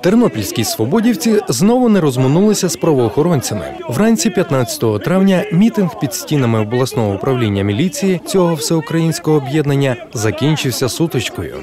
Тернопільські свободівці знову не розминулися з правоохоронцями. Вранці 15 травня мітинг під стінами обласного управління міліції цього всеукраїнського об'єднання закінчився сутичкою.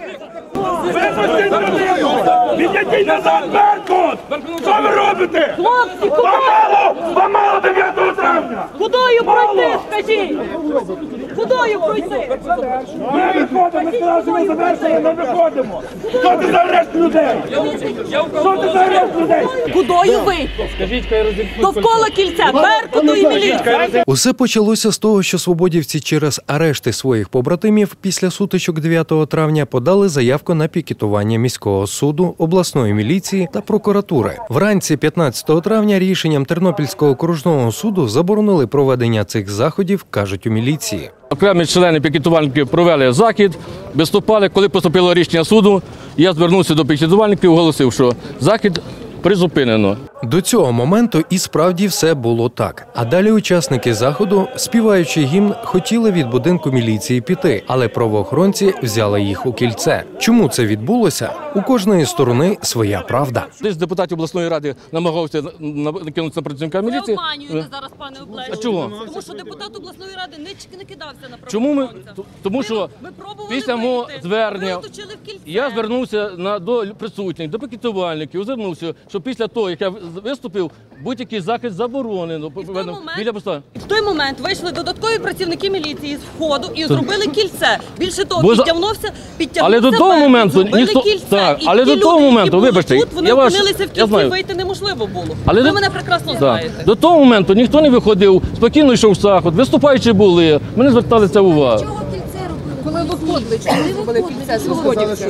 Відійдіть назад, Беркут! Що ви робите? Хлопці, Ламало 9 травня! кудою пройти, скажіть? Кудою пройти? Ми виходимо, ми сказали, що ми завершили, ми виходимо! Що ти за арешт людей? Що ти за арешт людей? Кудою вийти? Довкола кільця, Беркуту і міліції. Усе почалося з того, що свободівці через арешти своїх побратимів після сутичок 9 травня подали заявку на пікетування міського суду, обласної міліції та прокуратури. Вранці 15 травня рішенням Тернопільського окружного суду заборонили проведення цих заходів, кажуть у міліції. Окремі члени пікетувальників провели захід, виступали. Коли поступило рішення суду, я звернувся до пікетувальників і оголосив, що захід призупинено. До цього моменту і справді все було так. А далі учасники заходу, співаючи гімн, хотіли від будинку міліції піти, але правоохоронці взяли їх у кільце. Чому це відбулося? У кожної сторони своя правда. Десь депутатів обласної ради намагався накинутися на працівника Ви міліції. обманюєте зараз, пане Облещенко. А чого? Тому що депутат обласної ради не кидався на Чому ми? правоохоронця. Тому що Ми пробували після мого вийти. звернення Ви оточили в кільце. я звернувся до присутніх, до пікетувальників, звернувся, що після того, як я виступив, будь-який захід заборонено. В той момент вийшли додаткові працівники міліції з входу і зробили кільце. Більше того, Бо підтягнувся але до того Беркут, моменту зробили ніхто- кільце. так, І але ті до того люди, моменту, які були вибачте, тут, вони я вас- опинилися в я кільці, знаю. вийти неможливо було. Але Ви мене прекрасно знаєте. До того моменту ніхто не виходив, спокійно йшов захід, виступаючі були, ми не звертали це увагу. Коли виходили, чому робили кільце свободівців?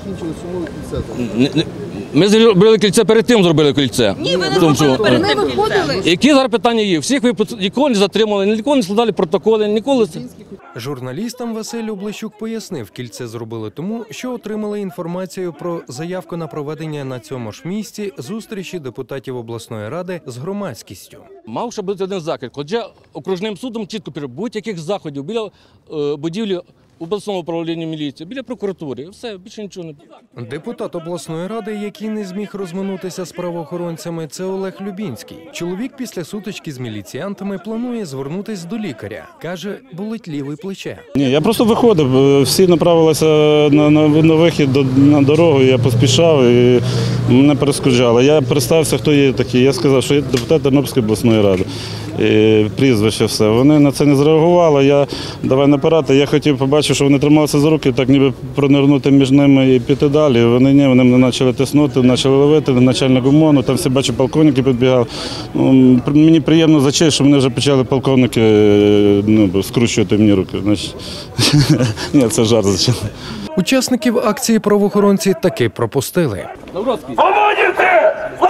Ми зробили кільце перед тим, зробили кільце. Ні, ви не Тому що- зробили перед Вони тим кільце. виходили. Які зараз питання є? Всіх ви ніколи не затримали, ніколи не складали протоколи, ніколи це. Журналістам Василь Облещук пояснив, кільце зробили тому, що отримали інформацію про заявку на проведення на цьому ж місці зустрічі депутатів обласної ради з громадськістю. Мав ще бути один захід, хоча окружним судом чітко пише, будь-яких заходів біля будівлі обласного управління міліції, біля прокуратури, все, більше нічого не буде. Депутат обласної ради, який не зміг розминутися з правоохоронцями, це Олег Любінський. Чоловік після сутички з міліціянтами планує звернутись до лікаря. Каже, болить ліве плече. Ні, я просто виходив, всі направилися на вихід на дорогу, я поспішав і мене перешкоджали. Я представився, хто є такий. Я сказав, що я депутат Тернопільської обласної ради. І прізвище все. Вони на це не зреагували, я давай наперед, я хотів побачити, що вони трималися за руки, так ніби пронирнути між ними і піти далі. Вони мене почали тиснути, почали ловити, начальник ОМОНу, там всі бачу, полковники підбігали. Мені приємно за честь, що вони вже почали полковники скручувати мені руки. Ні, це жарт, звичайно. Учасників акції правоохоронці таки пропустили. Свободівці!